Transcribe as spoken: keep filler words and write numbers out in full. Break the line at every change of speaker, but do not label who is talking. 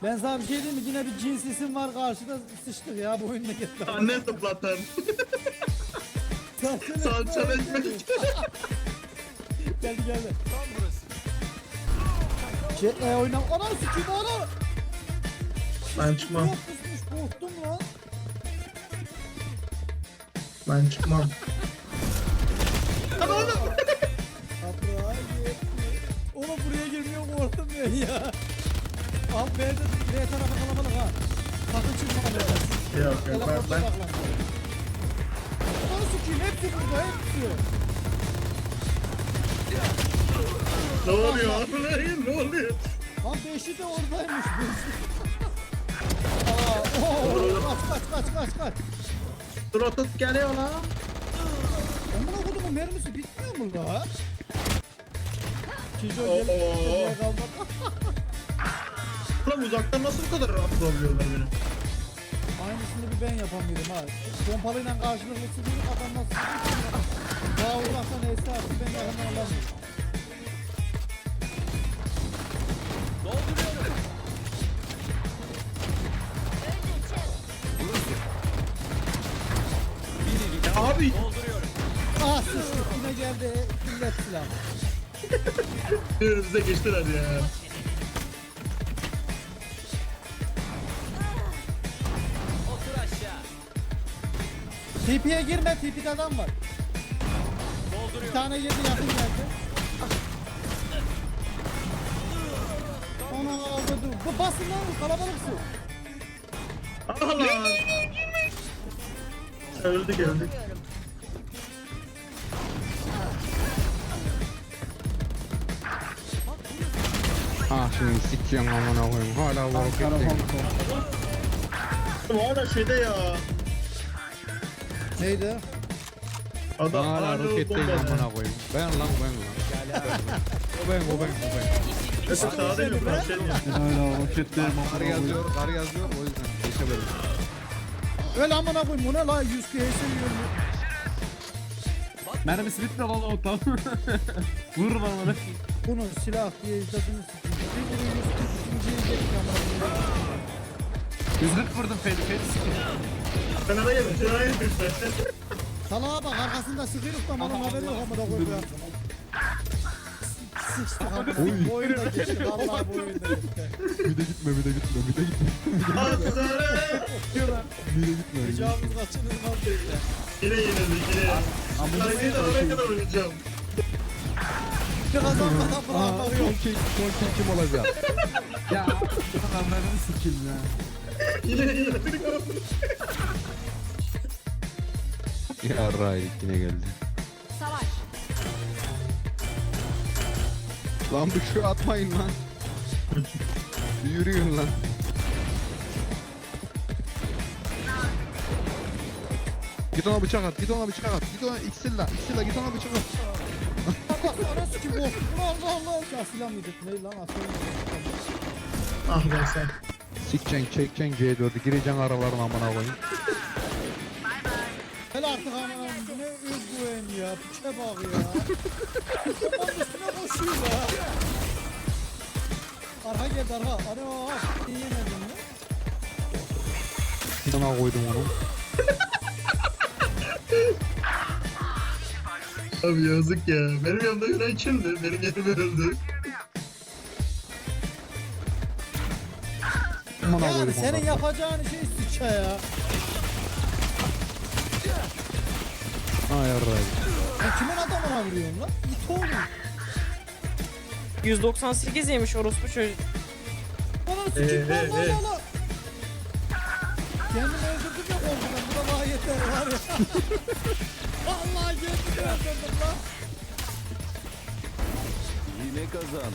Ben sana bir şey diyeyim mi? Yine bir cinsisin var karşıda, sıçtık ya bu oyunda gitti.
Anne zıplatan. Salçalı ekmek.
Geldi geldi. Şey, e, oynam. Ana sikiyim ana.
Ben çıkmam.
Yok kusmuş, korktum lan.
Ben çıkmam.
Toprağa gitti. Oğlum buraya girmiyor, korktum ben ya. Abi B'de B tarafı kalabalık ha. Sakın çıkma B'den.
Yok yok ben, ben...
Onu sikiyim, hepsi burada, hepsi.
Ne oluyor? Ne oluyor?
Lan beşi de oradaymış. Beşi. Aa, oo, kaç kaç kaç kaç kaç.
Trotot geliyor lan.
Amına kodumun mermisi bitmiyor mu la? Kijo
Oo.
gelip nereye kalmadı.
Ulan uzaktan nasıl bu kadar rahat olabiliyorlar benim?
Aynısını bir ben yapamıyorum ha. Pompalıyla karşılıklı sıkıyorum, adam nasıl sıkıyor? Daha uzaktan neyse artık ben yakından alamıyorum.
Abi.
Ah sıçtık, yine geldi millet silahı.
Önümüze geçtiler ya.
T P'ye girme, T P'de adam var. Bir tane yedi yakın geldi. Ana avladı. Bu basın lan, kalabalıksın.
Allah. Öldük öldük.
Ah şimdi sikiyorum amına koyayım. Hala bu roketteyim.
Bu arada şeyde ya.
Neydi?
Adam
Hala
hala
roketteyim
bomba.
amına koyayım. Ben lan ben lan. O ben o ben o ben.
Mesela sağda yok lan şey mi?
Hala roketteyim
Kar
amına
yazıyor,
koyayım.
kar yazıyor o yüzden geçemedim.
Öyle amına koyayım, bu ne la? yüz K S yiyorum.
Mermisi bitmiyor valla o tam. Vur bana.
Bunun silah diye izlediğiniz için. Bir bunu yüz kırk ikinciye geçtik amına koyayım.
yüz kırk vurdum Feli Feli sikiyor.
Kenara gelin, kenara gelin.
Salağa bak, arkasında sıkıyoruz da bana haberi yok amına koyayım ya. Sıçtık amına. Bu oyunda geçti, vallahi bu oyunda geçti.
Bir de gitme bir de gitme bir de gitme.
Aslanım.
Bir de gitme.
Ricamız kaçınılmaz geçti.
Yine yenildik yine. Hareketi oraya kadar oynayacağım.
Bir kazanmadan
Aa
bırakmak
son
yok.
kill son kill kim olacak?
Ya adamlarını sikeyim ya.
Yine yenildik.
Ya Raylik yine geldi.
Savaş.
Lan bir şey atmayın lan. Bir yürüyün lan. Git ona bıçak at, git ona bıçak at, git ona iksirla, iksirla git ona bıçak at.
Bak anası kim bu? Allah Allah. Ya silah mıydı? Ne lan aferin.
Ah be sen.
Sikeceksin, çekeceksin C dördü, gireceksin aralarına amına koyayım.
Hele artık aman bu ne özgüven ya. Piçe bak ya. Onun üstüne koşuyor ya. Arka geldi arka. Ana iyi yemedin mi?
Sana koydum onu.
Abi yazık ya. Benim yanımda yürüyen kimdi? Benim yerime öldü.
Amına
Yani
koydum
senin
onları.
yapacağın şey sıça ya.
Ay yarrayım.
Ya kimin adamına vuruyorsun lan? İt oğlum.
yüz doksan sekiz yemiş orospu çocuk.
Bana sikip
Ee,
lan
ee,
lan
ee.
lan lan. Kendimi öldürdüm ya korkudan. Bu da bana yeter var ya. Vallahi kendimi öldürdüm lan.